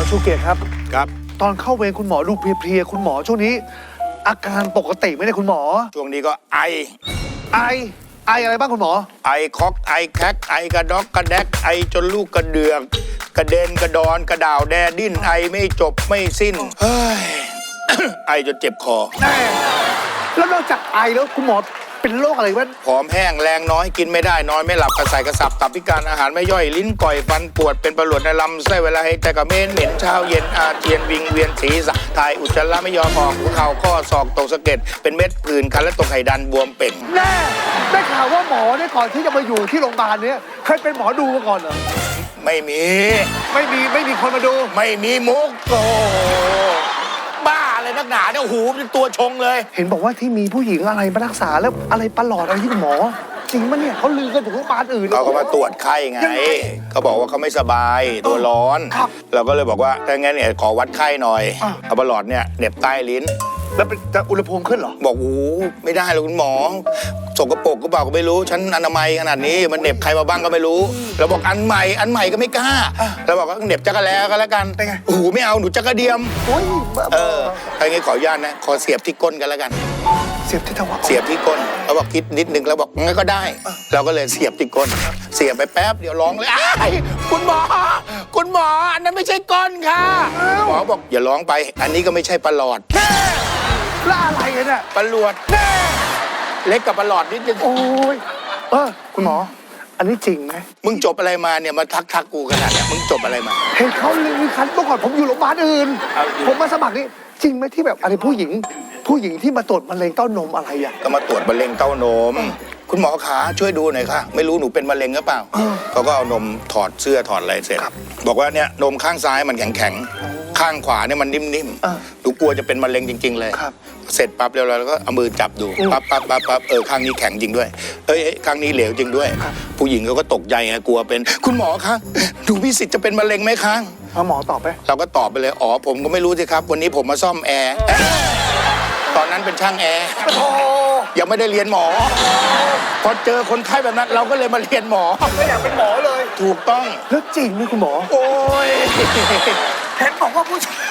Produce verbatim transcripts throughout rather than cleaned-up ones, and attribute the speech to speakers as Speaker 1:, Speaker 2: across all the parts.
Speaker 1: ชูเกียรติครับ
Speaker 2: ครับ
Speaker 1: ตอนเข้าเวรคุณหมอดูเพลียๆคุณหมอช่วงนี้ อาการปกติไหมเนี่ยคุณหมอ
Speaker 2: ช่วงนี้ก็ไอ
Speaker 1: ไอ ไออะไรบ้างคุณหมอ
Speaker 2: ไอคอกไอแคกไอกระดอกกระแดกไอจนลูกกระเดือกกระเด็นกระดอนกระด่าวแดดิ้นไอไม่จบไม่สิ้นเฮ้ย ไอจนเจ็บคอ
Speaker 1: แน่แล้วนอกจากไอแล้วคุณหมอเป็นโรคอะไรบ้าง
Speaker 2: ผอมแห้งแรงน้อยกินไม่ได้นอนไม่หลับกระใส่กระสับตับพิการอาหารไม่ย่อยลิ้นก่อยฟันปวดเป็นประหลวดในลำไส้เวลาให้ใจกระเม็นเหม็นเช้าเย็นอาเจียนวิงเวียนศีรษะถ่ายอุจจาระไม่ยอมออกหัวเข่าข้อศอกตกสะเก็ดเป็นเม็ดผื่นคันและตกไข่ดันบวมเป่ง
Speaker 1: แน่ได้ข่าวว่าหมอเนี่ยก่อนที่จะมาอยู่ที่โรงพยาบาลเนี้ยเคยเป็นหมอดูมาก่อนเหรอ
Speaker 2: ไม่มี
Speaker 1: ไม่มีไม่มีคนมาดู
Speaker 2: ไม่มีมุกโอ้บ้าอะไรนักหนาเนี่ยหูเป็นตัวชงเลย
Speaker 1: เห็นบอกว่าที่มีผู้หญิงอะไรมารักษาแล้วอะไรประหลอดอะไรที่คุณหมอ จริงมั้ยเนี่ยเขาลือกันถึงโรงพยาบาลอื่น
Speaker 2: เขาก็มาตรวจไข้ไง
Speaker 1: ยังไง
Speaker 2: เขาบอกว่าเขาไม่สบายตัวร้อน
Speaker 1: ครับ
Speaker 2: เราก็เลยบอกว่าถ้างั้นเนี่ยขอวัดไข้หน่อย
Speaker 1: อ่ะ
Speaker 2: เอาประหลอดเนี่ยเหน็บใต้ลิ้น
Speaker 1: แล้วเป็นจะอุณหภูมิขึ้นเหรอ
Speaker 2: บอกโอ้ไม่ได้หรอกคุณหมอสกปรกก็เปล่าก็ไม่รู้ฉันอนามัยขนาดนี้มันเหน็บใครมาบ้างก็ไม่รู้เราบอกอันใหม่อันใหม่ก็ไม่กล้าเราบอกว่าเหน็บจักรแล้ก็แล้วกัน
Speaker 1: เป็นไง
Speaker 2: โอ้โหไม่เอาหนูจักรเดียม
Speaker 1: โอ้ยบ้า
Speaker 2: เออถ้าอย่างงี้ขออนุญาตนะขอเสียบที่ก้นกันแล้วกัน
Speaker 1: เสียบที่ทวาร
Speaker 2: เสียบที่ก้นเขาบอกคิดนิดนึงแล้วบอกงั้นก็ได้ เราก็เลยเสียบที่ก้น เสียบไปแป๊บเดี๋ยวร้องเลยอ้ายคุณหมอ คุณหมออันนั้นไม่ใช่ก้นค่ะหมอบอกอย่าร้องไป อันนี้ก็ไม่ใช่ประหลอด
Speaker 1: แล้วอะไรกันเนี่ย
Speaker 2: ประหลวดเล็กกับประหลอดนิดนึง
Speaker 1: โอ้ยเออคุณหมอ อันนี้จริงไหม
Speaker 2: มึงจบอะไรมาเนี่ยมาทักทักกูขนาดเนี้ยมึงจบอะไรมา
Speaker 1: เห็นเขาลือคันเมื่อก่อนผมอยู่โรงพยาบาลอื่น
Speaker 2: เอาจริง
Speaker 1: ผมมาสมัครนี่จริงไหมที่แบบอะไรผู้หญิง ผู้หญิงที่มาตรวจมะเร็งเต้านมอะไรอ่ะ
Speaker 2: ก็มาตรวจมะเร็งเต้านม คุณหมอขาช่วยดูหน่อยค่ะ ไม่รู้หนูเป็นมะเร็งหรือเปล่า
Speaker 1: เออ
Speaker 2: เขาก็เอานมถอดเสื้อถอดอะไรเสร็จ
Speaker 1: ครับ
Speaker 2: บอกว่าเนี่ยนมข้างซ้ายมันแข็งแข็งๆข้างขวาเนี่ยมันนิ่ม
Speaker 1: เออ
Speaker 2: ๆหนูกลัวจะเป็นมะเร็งจริง ๆ เลย
Speaker 1: ครับ
Speaker 2: เสร็จปั๊บเรียบร้อยแล้วก็เอามือจับดู
Speaker 1: อืม
Speaker 2: ปั๊บปั๊บปั๊บปั๊บเออข้างนี้แข็งจริงด้วยเอ้ยเอ้ยข้างนี้เหลวจริงด้วย
Speaker 1: ครับ
Speaker 2: ผู้หญิงเขาก็ตกใจไงกลัวเป็น คุณหมอคะหนูมีสิทธิ์จะเป็นมะเร็งไหมคะ
Speaker 1: เอาหมอตอบไป
Speaker 2: เราก็ตอบไปเลยอ๋อผมก็ไม่รู้สิครับ วันนี้ผมมาซ่อมแอร์เอ๊ะตอนนั้นเป็นช่างแอร์
Speaker 1: โอ้
Speaker 2: ยังไม่ได้เรียนหมอ พอเจอคนไข้แบบนั้น เราก็เลยมาเรียนหมอ
Speaker 1: ไม่อยากเป็นหมอเลย
Speaker 2: ถูกต้อง
Speaker 1: แล้วจริงไหมคุณหมอ
Speaker 2: โอ้ย
Speaker 1: เห็นบอกว่าผู้ชาย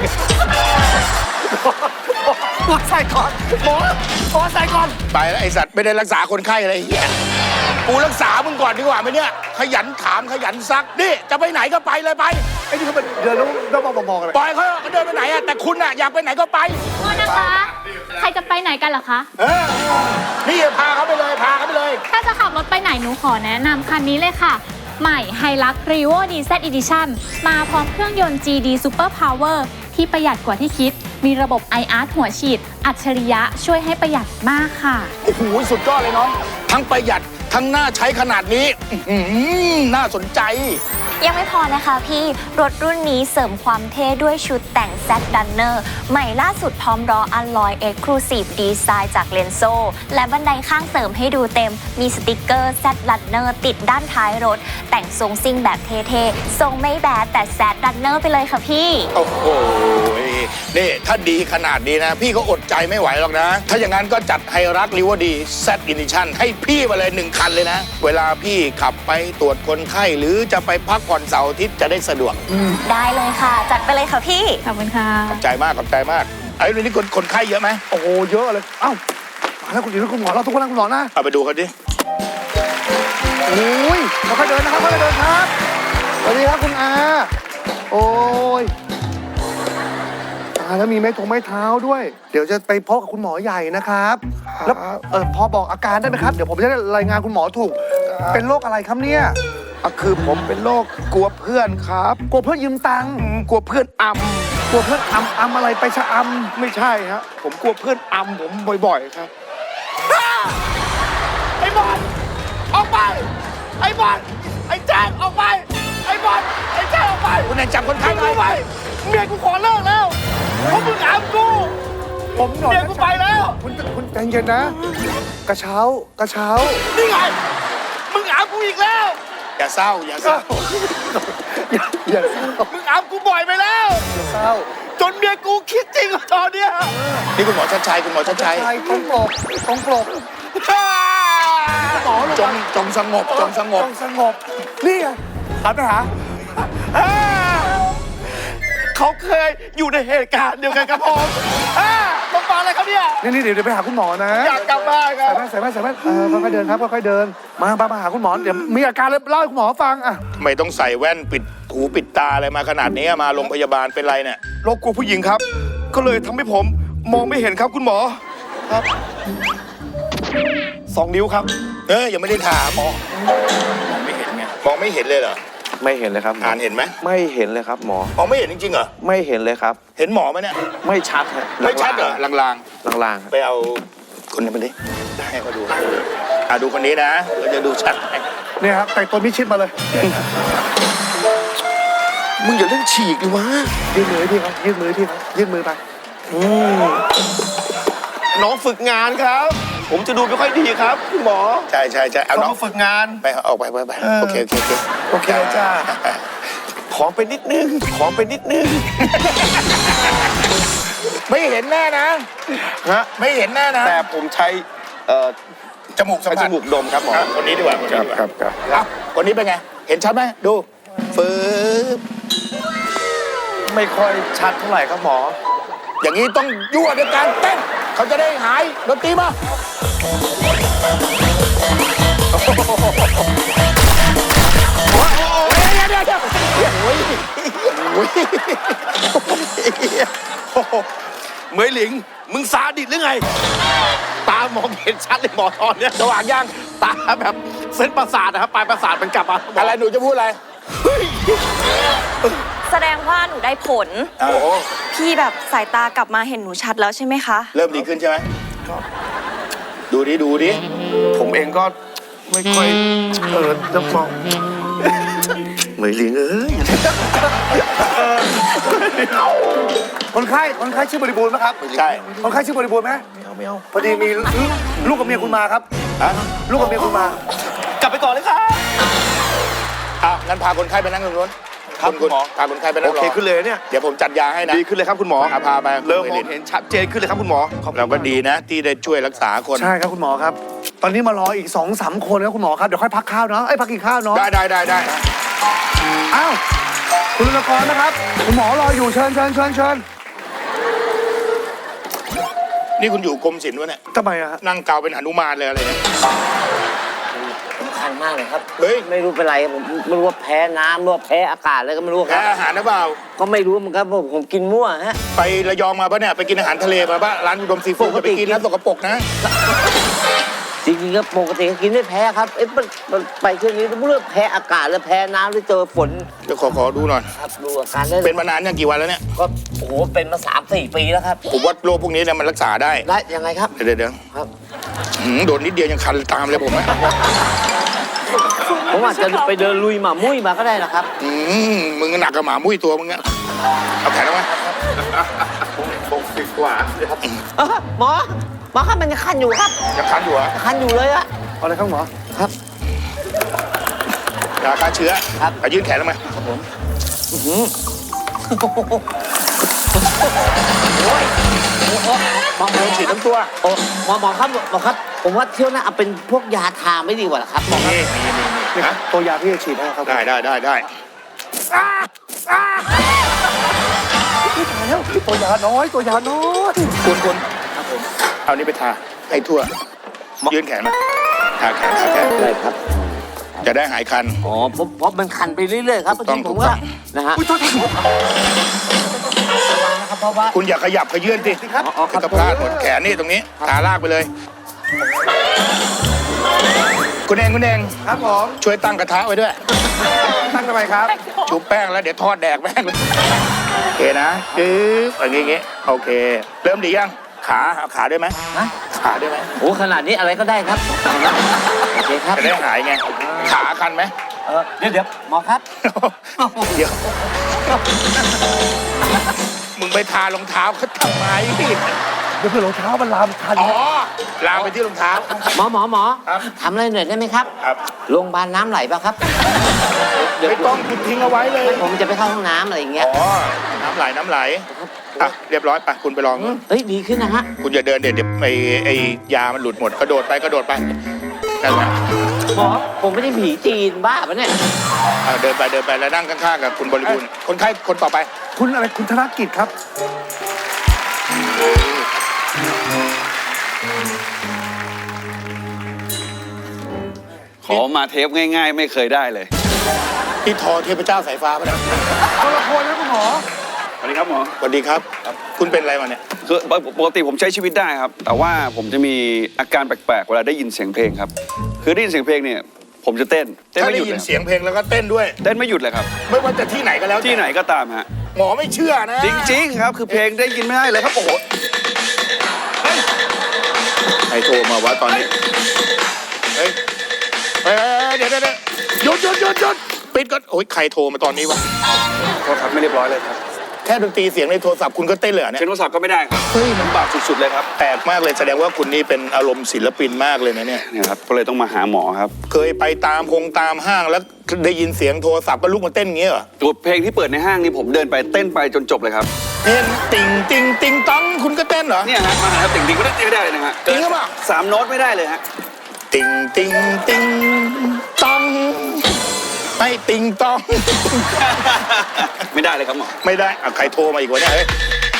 Speaker 1: หมอใส่ก่อนหมอหมอใส่ก่อน
Speaker 2: ไปแล้วไอสัตว์ไม่ได้รักษาคนไข้อะไรเหี้ยกูรักษามึงก่อนดีกว่าไหมเนี่ย ขยันถามขยันซัก นี่จะไปไหนก็ไปเลยไป
Speaker 1: ไอ้นี่เขาเป็นเดินแล้วแล้วมองมองอะไร
Speaker 2: ปล่อยเขาเขาเดินไปไหนอะแต่คุณอะอยากไปไหนก็ไป
Speaker 3: โทษนะคะ ใครจะไปไหนกันเหรอคะ
Speaker 2: เออ นี่พาเขาไปเลยพาเขาไปเลย
Speaker 3: ถ้าจะขับรถไปไหนหนูขอแนะนำคันนี้เลยค่ะ ใหม่ Hilux Revo ดี แซด Edition มาพร้อมเครื่องยนต์ จี ดี Super Power ที่ประหยัดกว่าที่คิด มีระบบ ไอ อาร์ หัวฉีด อัจฉริยะช่วยให้ประหยัดมากค่ะ
Speaker 2: โอ้โหสุดยอดเลยน้อง ทั้งประหยัดทั้งน่าใช้ขนาดนี้อื้อหือน่าสนใจ
Speaker 4: ยังไม่พอนะคะพี่ รถรุ่นนี้เสริมความเท่ด้วยชุดแต่ง แซด Runner ใหม่ล่าสุดพร้อมล้อ Alloy Exclusive Design จาก Lenso และบันไดข้างเสริมให้ดูเต็ม มีสติกเกอร์ แซด Runner ติดด้านท้ายรถ แต่งทรงซิ่งแบบเท่ๆ ทรงไม่แบดแต่ แซด Runner ไปเลยค่ะพี่
Speaker 2: โอ้โห นี่ถ้าดีขนาดนี้นะ พี่ก็อดใจไม่ไหวหรอกนะ ถ้าอย่างนั้นก็จัดไฮรักริวดี แซด Edition ให้พี่มาเลยหนึ่งคันเลยนะ เวลาพี่ขับไปตรวจคนไข้ หรือจะไปพักผ่อนเสาร์อาทิตย์จะได้สะดวก
Speaker 4: ได้เลยค่ะ จัดไปเลยค่ะพี่
Speaker 3: ขอบคุณค่ะ
Speaker 2: ขอบใจมากขอบใจมากไอ้เรื่องนี้คนคนไข้เยอะไหม
Speaker 1: โอ้โหเยอะเลย เอ้ามาแล้วคุณหญิงคุณหมอเราทุกคนนะคุณหมอนะ
Speaker 2: เอาไปดูกันดิ
Speaker 1: โอ้ยค่อยๆเดินนะครับค่อยๆเดินครับสวัสดีครับคุณอา โอ้ยตายแล้วมีไม้ทงไม้เท้าด้วย เดี๋ยวจะไปพบกับคุณหมอใหญ่นะครับ แล้วเออพอบอกอาการได้ไหมครับ เดี๋ยวผมจะได้รายงานคุณหมอถูก เป็นโรคอะไรครับเนี่ย
Speaker 5: อ่ะคือผมเป็นโรคกลัวเพื่อนครับ
Speaker 1: กลัวเพื่อนยืมตังค์
Speaker 5: อืมกลัวเพื่อนอ
Speaker 1: กลัวเพื่อนอำอำอะไรไปชะอ
Speaker 5: ำไม่ใช่ฮะผมกลัวเพื่อนอำผมบ่อยๆครับ
Speaker 2: ไอ้บอลออกไป ไอ้บอลไอ้แจ๊คออกไป ไอ้บอลไอ้แจ๊คออกไปคุณนายจับคนไข้หน่อยไปเมียกูขอเลิกแล้วเพราะมึงอามกู
Speaker 1: ำผมหน่อย
Speaker 2: เมียกูไปแล้ว
Speaker 1: คุณคุณใจเย็นนะ กระเช้ากระเช้า
Speaker 2: นี่ไง มึงอามกูอีกแล้ว อย่าเศร้า อย่าเศร้า
Speaker 1: อย่าอย่าเศร้า
Speaker 2: มึงอามกูบ่อยไปแล้ว
Speaker 1: อย่าเศร้า
Speaker 2: จนเมียกูคิดจริงกับตอนเนี้ยนี่คุณหมอชัดชัยคุณหมอชัดชัย
Speaker 1: ใช่ต้องปลบต้องปลบ หมอลง
Speaker 2: จ
Speaker 1: มา
Speaker 2: งจงสงบจงสงบ
Speaker 1: ต้องสงบ นี่ไงหันไปหา
Speaker 5: เคยอยู่ในเหตุการณ์เดียวกันกับผมอ่าต้องฟังอะไรครับเนี่ย
Speaker 1: นี่นี่เดี๋ยวเดี๋ยวไปหาคุณหมอนะ
Speaker 5: อยากกลับบ้านครั
Speaker 1: ใส่
Speaker 5: บ
Speaker 1: แว่นใส่แว่นใส่แว่นเออค่อยๆเดินครับค่อยๆเดินมามามาหาคุณหมอเดี๋ยวมีอาการแล้วเล่าให้คุณหมอฟังอ่ะ
Speaker 2: ไม่ต้องใส่แว่นปิดหูปิดตาอะไรมาขนาดนี้มาโรงพยาบาลเป็นไรเนี่ย
Speaker 5: โรคกลัวผู้หญิงครับ ก็เลยทำให้ผมมองไม่เห็นครับคุณหมอครับสองนิ้วครับ
Speaker 2: เออยังไม่ได้ถามมองมองไม่เห็นไงมองไม่เห็นเลยเหรอ
Speaker 6: ไม่เห็นเลยครับหมอ
Speaker 2: อ่านเห็นไหม
Speaker 6: ไม่เห็นเลยครับหมอ
Speaker 2: มองไม่เห็นจริงๆเหรอ
Speaker 6: ไม่เห็นเลยครับ
Speaker 2: เห็นหมอไหมเนี่ย
Speaker 6: ไม่ชัดฮะ
Speaker 2: ไม่ชัดเหรอลาง
Speaker 6: ลางๆ
Speaker 2: ๆไปเอาคนนี้มาดิให้เขาดูอ่ะดูคนนี้นะเราจะดูชัดให้
Speaker 1: เนี่ยครับแต่งตัวมิดชิดมาเลย
Speaker 5: มึงอย่าเล่นฉีกดิวะ
Speaker 1: ยื่นมือให้พี่ครับยื่นมือให้พี่ครับยื่นมือไป
Speaker 5: น้องฝึกงานครับ ผมจะดูไม่ค่อยดีครับคุณหมอ
Speaker 2: ใช่ใช่ใช่เอา
Speaker 5: เขา
Speaker 2: น้อง
Speaker 5: มาฝึกงาน
Speaker 2: ไปออกไปไปไป
Speaker 5: เออ
Speaker 2: โอเคโอเคโอเค
Speaker 5: โอเคจ้า ขอไปนิดนึง ขอไปนิดนึง
Speaker 2: ไม่เห็นแน่นะ
Speaker 5: ฮะ
Speaker 2: ไม่เห็นแน่นะ
Speaker 5: แต่ผมใช้เอ่อ
Speaker 2: จมูกสัม
Speaker 5: ใช้จ
Speaker 2: ผัส
Speaker 5: มูกดมครับหมอ
Speaker 2: อ่ะคนนี้ดีกว่าคนนี้ดีกว่า
Speaker 5: ครับครับ
Speaker 2: อ่ะคนนี้เป็นไง เห็นชัดไหมดูฟืบ
Speaker 5: ไม่ค่อยชัดเท่าไหร่ครับหมอ
Speaker 2: อย่างนี้ต้องยั่วด้วยการเต้นเขาจะได้หายดนตรีมาโอ้ยเดี๋ยวเดี๋ยวเดี๋ยวโอ้ยโอ้ย
Speaker 5: เหมยหลิง มึงซาดิสหรือไง ตามองเห็นชัดเลยหมอตอนเนี้ยสว่างยังตาแบบเส้นประสาทนะครับปลายประสาทมันกลับมา
Speaker 2: อะไรหนูจะพูดอะไร
Speaker 4: แสดงว่าหนูได้ผล
Speaker 2: โอ้โห
Speaker 4: พี่แบบสายตากลับมาเห็นหนูชัดแล้วใช่ไหมคะ
Speaker 2: เริ่มดีขึ้นใช่ไหมดูดิดูดิ
Speaker 5: ผมเองก็ไม่ค่อยเออจะมองเหมยหลิงเอ้ย
Speaker 1: คนไข้คนไข้ชื่อบริบูรณ์ไหมครับ
Speaker 2: ใช่
Speaker 1: คนไข้ชื่อบริบูรณ์ไหม
Speaker 5: ไม่เอาไม่เอา
Speaker 1: พอดีมีลูกกับเมียคุณมาครับ
Speaker 2: ฮะ
Speaker 1: ลูกกับเมียคุณมา
Speaker 5: กลับไปก่อนเลยครับ
Speaker 2: อ่ะงั้นพาคนไข้ไปนั่งตรงนู้น
Speaker 5: ครับ
Speaker 2: คุณ
Speaker 5: หมอ
Speaker 2: พาคนไข้ไปนั่
Speaker 5: โอง
Speaker 2: รอ
Speaker 5: เคขึ้นเลยเนี่ย
Speaker 2: เดี๋ยวผมจัดยาให้นะ
Speaker 5: ดีขึ้นเลยครับคุณหมอ
Speaker 2: อ่ะพาไป
Speaker 5: เริ่มมองเห็นชัดเจนขึ้นเลยครับคุณหมอขอบคุณ
Speaker 2: เราก็ดีนะ ที่ได้ช่วยรักษาคน
Speaker 1: ใช่ครับคุณหมอครับ ตอนนี้มารออีกสองสามคนครับคุณหมอครับ เดี๋ยวค่อยพักข้าวเนาะไอ้ยพักกินข้าวเนาะ
Speaker 2: ได้ได้ได้ได้
Speaker 1: อ้าว คุณลุงกรนะครับ คุณหมอรออยู่เชิญเชิญเชิญเชิญ
Speaker 2: นี่คุณอยู่กรมศิลป์วะเนี่ย
Speaker 1: ทำไมอะฮะ
Speaker 2: นั่งเกาเป็นหนุมานเลยอะไรเนี่ย
Speaker 7: สำคัญมากเลยครับ
Speaker 2: เฮ้ย
Speaker 7: ไม่รู้เป็นไรผมไม่รู้ว่าแพ้น้ำหรือว่าแพ้อากาศอะไรก็ไม่รู้ค
Speaker 2: แพ้
Speaker 7: รับ
Speaker 2: อาหารนะเปล่า
Speaker 7: ก็ไม่รู้เหมือนกันผมผมกินมั่วฮะ
Speaker 2: ไประยองมาปะเนี่ย ไปกินอาหารทะเลมาปะร้านอุดมซีฟู้ด
Speaker 7: ปกติ
Speaker 2: ไปกินนะสกปรกนะ
Speaker 7: จริงๆก็ปกติก็กินไม่แพ้ครับเอ๊ะมันมันไปเที่ยวนี้ไม่รู้ว่าแพ้อากาศหรือแพ้น้ำหรือเจอฝน
Speaker 2: เดี๋ยวขอขอดูหน่อย
Speaker 7: ครับดูอาการได้
Speaker 2: เป็นมานานยังกี่วันแล้วเนี่ย
Speaker 7: ก็โอ้โหเป็นมาสามสี่ปีแล้วครับ
Speaker 2: ผมว่าโรคพวกนี้เนี่ยมันรักษาได้
Speaker 7: ได้ยังไงครับ
Speaker 2: เดี๋ยวเดี๋ยวเดี๋ยว
Speaker 7: ครับ
Speaker 2: หืมโดนนิดเดียวยังคันตามเลยผมอะ
Speaker 7: ผมอาจจะไปเดินลุยหมามุ้ยมาก็ได้นะครับ
Speaker 2: อืมมึงหนักกับหมามุ้ยตัวมึงอะเอาแขนออกมา
Speaker 5: หกสิบกว่า
Speaker 7: เอ้อหมอหมอครับมันยังคันอยู่ครับ
Speaker 2: ยังคันอยู่เหรอะ
Speaker 7: คันอยู่เลยอะ
Speaker 1: เอาเลยครับหมอ
Speaker 7: ครับ
Speaker 2: ยาฆ่าเชื้อ
Speaker 7: ครับ
Speaker 2: เอายื่นแขนลงมา
Speaker 7: อื้อหือโอ้ยโอ้โหหมอหมอ
Speaker 2: ฉีดทั้งตัว
Speaker 7: โอ้หมอหมอครับหมอครับ ผมว่าเที่ยวหน้าเอาเป็นพวกยาทาไม่ดีกว่าเหรอครับหมอครับ
Speaker 2: นี่นี่นี่
Speaker 1: นี่ครับตัวยาที่จะฉีดให้ครับ
Speaker 2: ได้ได้ได้ได้
Speaker 1: ตายแล้วตัวยาน้อยตัวยาน้อย
Speaker 2: คุณคุณครับผมเอานี่ไปทาให้ทั่ว ยื่นแขนมาทาแขนทาแขน
Speaker 7: ได้ครับ
Speaker 2: จะได้หายคัน
Speaker 7: อ๋อเพราะเพราะมันคันไปเรื่อยๆครับ
Speaker 2: ถูกต้อง
Speaker 7: ผม
Speaker 2: ถูกต้
Speaker 7: ว่า
Speaker 2: อง
Speaker 7: นะฮะ
Speaker 1: อุ้ยโทษที
Speaker 7: นะครับเพราะว่า
Speaker 2: คุณอย่าขยับขยื่นสิ
Speaker 7: อ๋ออ๋อครับ
Speaker 2: จะพลาดหมดแขนนี่ตรงนี้ทาลากไปเลย คุณเองคุณเอง
Speaker 1: ครับผม
Speaker 2: ช่วยตั้งกระทะไว้ด้วย
Speaker 1: ตั้งทำไมครับ
Speaker 2: ชุบแป้งแล้วเดี๋ยวทอดแดกแม่งเลยโอเคนะปึ๊บอย่างงี้อย่างงี้โอเค เริ่มดียังขาเอาขาด้วยไหม
Speaker 7: ฮะ
Speaker 2: ขาด้วยไหม
Speaker 7: โอ้ขนาดนี้อะไรก็ได้ครับเอาละโอเคครับ
Speaker 2: จะได้หายไงขาคันไหม
Speaker 7: เออเดี๋ยวเดี๋ยวหมอครับ
Speaker 2: เดี๋ยวมึงไปทารองเท้าเขาทำไม
Speaker 1: เดี๋ยวเพื่อนรองเท้ามันลามคัน
Speaker 2: อ๋อลามไปที่รองเท้า
Speaker 7: หมอหมอหมอ
Speaker 2: ครับ
Speaker 7: ทำอะไรหน่อยได้ไหมครับ
Speaker 2: ครับ
Speaker 7: โรงพยาบาลน้ำไหลป่ะครับเดี๋ยว
Speaker 2: ไม่ต้องคุณทิ้งเอาไว้เลย
Speaker 7: ผมจะไปเข้าห้องน้ำอะไรอย่างเงี้ย
Speaker 2: อ๋อ น้ำไหลน้ำไหลอ่ะเรียบร้อยไปคุณไปลอง
Speaker 7: เฮ้ยดีขึ้นนะฮะ
Speaker 2: คุณอย่าเดินเดี๋ยวเดี๋ยวไอ้ไอ้ยามันหลุดหมดกระโดดไปกระโดดไปนั่นแหละ
Speaker 7: หมอผมไม่ได้ผีจีนบ้าปะเนี่ย
Speaker 2: เอาเดินไปเดินไปแล้วนั่งข้างๆกับคุณบริบูรณ์คนไข้คนต่อไป
Speaker 1: คุณอะไรคุณธนกิจครับ
Speaker 8: ขอมาเทปง่ายๆ ไม่เคยได้เลย
Speaker 2: ที่ทอเทพเจ้าสายฟ้าปะเนี่ย
Speaker 1: คนละคนนะคุณหมอ
Speaker 8: สวัสดีครับหมอ
Speaker 2: สวัสดีครับ คุณเป็นอะไรมาเนี่ย
Speaker 8: คือปกติผมใช้ชีวิตได้ครับ แต่ว่าผมจะมีอาการแปลกๆ เวลาได้ยินเสียงเพลงครับ คือได้ยินเสียงเพลงเนี่ย ผมจะเต้น เต้น
Speaker 2: ถ้า
Speaker 8: ไม่ห
Speaker 2: ได้
Speaker 8: ยุด
Speaker 2: ยิ
Speaker 8: เล
Speaker 2: น
Speaker 8: ย
Speaker 2: เสียงเพลงแล้วก็เต้นด้วย
Speaker 8: เต้นไม่หยุดเลยครับ
Speaker 2: ไม่ว่าจะที่ไหนก็แล้วแต่
Speaker 8: ที่ไหนก็ตามฮะ
Speaker 2: หมอไม่เชื่อนะ
Speaker 8: จริงๆครับ คือเพลงได้ยินไม่ได้เลยครับ โอ้โห
Speaker 2: ใครโทรมาวะตอนนี้ เฮ้ยเฮ้ยเดี๋ยวเดี๋ยวเดี๋ยวหยุดหยุดหยุดหยุดปิดก่อนโอ้ยใครโทรมาตอนนี้วะ
Speaker 8: โทษครับไม่เรียบร้อยเลยครับ
Speaker 2: แค่ดนตรีเสียงในโทรศัพท์คุณก็เต้นเลยเหรอเนี่ย
Speaker 8: เช็นโทรศัพท์ก็ไม่ได้ครับ เฮ้ยมันบาปสุดๆเลยครับ
Speaker 2: แปลกมากเลยแสดงว่าคุณนี่เป็นอารมณ์ศิลปินมากเลยนะเนี่ย
Speaker 8: เนี่ยครับ ก็เลยต้องมาหาหมอครับ
Speaker 2: เคยไปตามคงตามห้างแล้วได้ยินเสียงโทรศัพท์ก็ลุกมาเต้นอย่างเงี้ยเหรอ
Speaker 8: ตัวเพลงที่เปิดในห้างนี่ผมเดินไปเต้นไปจนจบเลยครับ
Speaker 2: เต้นติงติงติงตังคุณก็เต้นเหรอ
Speaker 8: เนี่ยฮะมาหาติ่งๆก็ได้ไม่ได้เลยนะฮะ
Speaker 2: จริงหรือเปล่า
Speaker 8: สามโน้ตไม่ได้เลยฮะ
Speaker 2: ติงติงติงตังไม่ติงตอง
Speaker 8: ไม่ได้เลยครับหมอ
Speaker 2: ไม่ได้อ่ะใครโทรมาอีกวะเนี่ยเฮ้ย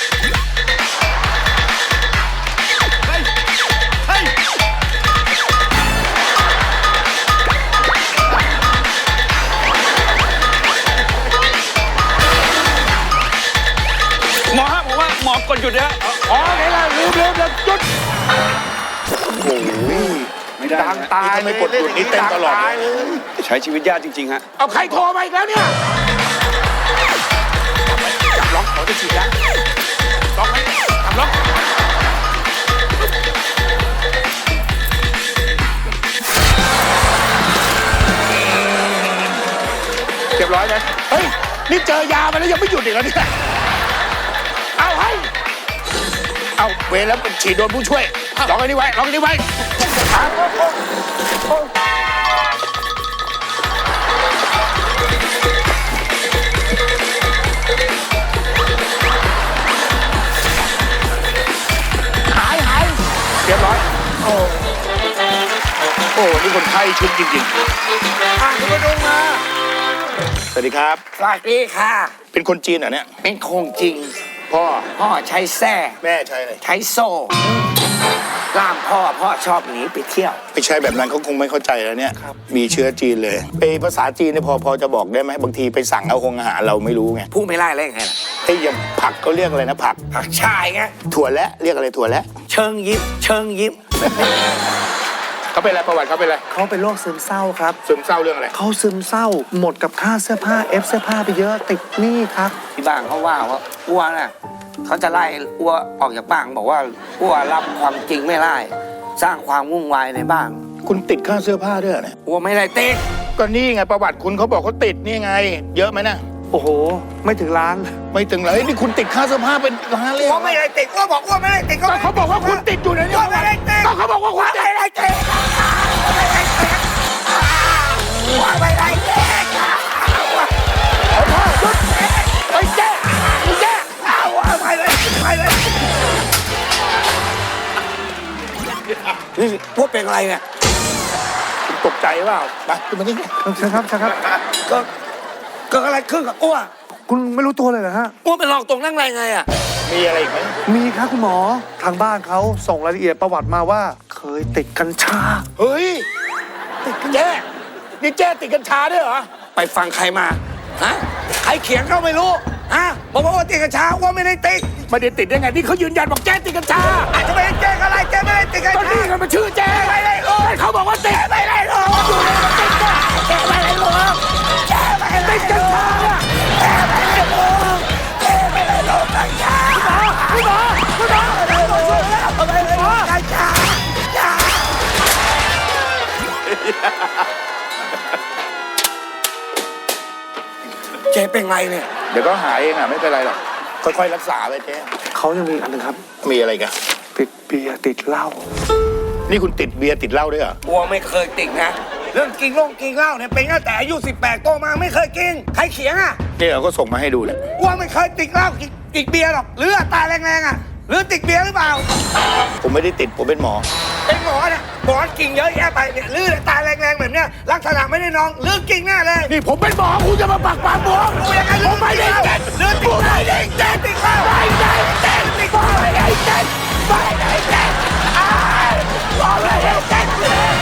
Speaker 8: หมอฮะผมว่าหมอกดหยุดนะฮะ
Speaker 2: อ๋อไหนล่ะลืมลืมลืมหยุดโอ้ย
Speaker 8: ไม่ได้
Speaker 1: ดัง
Speaker 8: ฮะ
Speaker 1: ตาย
Speaker 2: นี่ถ้าไม่กดหยุดนี่เต้นตลอดเลย
Speaker 8: ใช้ชีวิตยากจริงๆฮะ
Speaker 2: เอาใครโทรมาอีกแล้วเนี่ยจับล็อกขอจะฉีดยาล็อกไหมจับล็อกเรียบร้อยนะเฮ้ยนี่เจอยามาแล้วยังไม่หยุดอีกแล้วเนี่ยเอาให้เอาเวรแล้วฉีดโดนผู้ช่วยล็อกไอ้นี่ไว้ล็อกไอ้นี่ไว้หายหายเรียบร้อยโอ้โอ้นี่คนไข้ชุดจริงๆอ่ะคุณมาดูมาสวัสดีครับ
Speaker 9: สวัสดีค่ะ
Speaker 2: เป็นคนจีนเหรอเนี่ย
Speaker 9: เป็นคงจริง
Speaker 2: พ่อ
Speaker 9: พ่อใช้แส้
Speaker 2: แม่ใช่เลย
Speaker 9: ใช้โซ่ล่ามพ่อ พ่อชอบหนีไปเที่ยว
Speaker 2: ไม่ใช่แบบนั้นเขาคงไม่เข้าใจแล้วเนี่ยมีเชื้อจีนเลยไอภาษาจีนเนี่ยพอพอจะบอกได้ไหมบางทีไปสั่งเอาคงอาหารเราไม่รู้ไง
Speaker 9: พูดไม่ไล่เลยไงล่ะ
Speaker 2: ไอ้อย่างผักเขาเรียกอะไรนะผัก
Speaker 9: ผักชายไง
Speaker 2: ถั่วและเรียกอะไรถั่วและ
Speaker 9: เชิงยิ้ม เชิงยิ้ม
Speaker 2: เขาเป็นอะไรประวัติเขาเป็นอะไร
Speaker 1: เขาเป็นโรคซึมเศร้าครับ
Speaker 2: ซึมเศร้าเรื่องอะไร
Speaker 1: เขาซึมเศร้า หมดกับค่าเสื้อผ้าเอฟเสื้อผ้าไปเยอะติดหนี้ครับ
Speaker 9: ที่บ้านเขาว่าว่าอ้วน่ะเขาจะไล่อ้วออกจากบ้านบอกว่าอ้วรับความจริงไม่ได้ สร้างความวุ่นวายในบ้าน
Speaker 2: คุณติดค่าเสื้อผ้าด้วยเหรอเนี่ย
Speaker 9: อ้วไม่ได้ติด
Speaker 2: ก็นี่ไงประวัติคุณเขาบอกเขาติดนี่ไง เยอะไหมนะ
Speaker 1: โอ้โห ไม่ถึงล้าน
Speaker 2: ไม่ถึงเลยนี่คุณติดค่าเสื้อผ้าเป็นล้านเลยเหร
Speaker 9: อ้ว
Speaker 2: อ
Speaker 9: ไม่ได้ติดอ้วบอกอ้วไม่ได้ติด
Speaker 2: ก็เขาบอกว่าคุณติดอยู่ในนี้
Speaker 9: อ้วไม่ได้ติด
Speaker 2: ก็เขาบอกว่าคุณติด
Speaker 9: ไม่ได้ติดไม่ได้ติดอ้วไม่ได้ติด
Speaker 2: ไปแจ้ไปแจ้
Speaker 9: เอาไปเลยไปเลยนี่พวกเป็นอะไรเนี่ย
Speaker 2: คุณตกใจเปล่าไปขึ้นมานี่
Speaker 1: ใช่ครับใช่ครับ
Speaker 9: ก็เกิดอะไรขึ้นกับอ้ว
Speaker 1: คุณไม่รู้ตัวเลยเหรอฮะ
Speaker 9: อ้วเป็นรองตรงนั่งไรไงอ่ะ
Speaker 2: มีอะไรอีกไหม
Speaker 1: มีครับคุณหมอ ทางบ้านเขาส่งรายละเอียดประวัติมาว่า เคยติดกัญชา
Speaker 2: เฮ้ยติดกันแจ้นี่แจ้ติดกัญชาด้วยเหรอ
Speaker 9: ไปฟังใครมาฮะใครเขียนก็ไม่รู้ฮะบอกว่าอ้วติดกัญชาอ้วไม่ได้ติด
Speaker 2: ไม่ได้ติดได้ไงที่เขายืนยันบอกแจ้ติดกัญชา
Speaker 9: อาจจะไม่ได้แจ้งอะไรแจ้งไม่ได้ติดกัญ
Speaker 2: ก็
Speaker 9: ชา
Speaker 2: นี่ไงมันชื่อแจ้
Speaker 9: ไม่ได้รู้
Speaker 2: เขาบอกว่าติด
Speaker 9: ไม่ได้รู้แจ้งไม่ได้รู้แจ้งไม่ได้
Speaker 2: ติดกัญชาเนี่ย
Speaker 9: แจ้งไม่ได้รู้แจ้งไม่ได้รู้กัญชา
Speaker 2: คุณหมอคุณหมอ
Speaker 9: ไม่ได้รู้ไม่ได้รู้กัญชาเจ๊เป็นไงเนี่ย
Speaker 2: เดี๋ยวก็หายเองอ่ะไม่เป็นไรหรอกค่อยๆรักษาไปเจ๊
Speaker 1: เขายังมีอันหนึงครับ
Speaker 2: มีอะไรกัน
Speaker 1: ติดเบียร์ติดเหล้า
Speaker 2: นี่คุณติดเบียร์ติดเหล้าด้วยเหรอ
Speaker 9: อ้วไม่เคยติดนะ เรื่องกินเหล้ากินเหล้าเนี่ยเป็นตั้งแต่อายุสิบแปดโตมาไม่เคยกิน ใครเขียงอ่ะ
Speaker 2: นี่เราก็ส่งมาให้ดูแหละ
Speaker 9: อ้วไม่เคยติดเหล้ากินติดเบียร์หรอกหรืออัตราแรงๆอ่ะหรือติดเบียร์หรือเปล่า
Speaker 2: ผมไม่ได้ติดผมเป็นหมอ
Speaker 9: เป็นหมอเนี่ยหมอกิ่งเยอะแยะไปเนี่ยลื่นตาแรงๆแบบเนี้ยลักษณะไม่ได้น้องลื่นกิ่งแน่เลย
Speaker 2: นี่ผมเป็นหมอคุณจะมาปักปากผม
Speaker 9: กูยังไง
Speaker 2: ผมไม่ได้เจ็ด
Speaker 9: ลื่น
Speaker 2: ผมไม่ได้เจ็ด
Speaker 9: ติดข้าว
Speaker 2: ไม่ได้เจ็ดไม่ได้เจ็ดไม่ได้เจ็ดอ้ายผมไม่ได้เจ็ด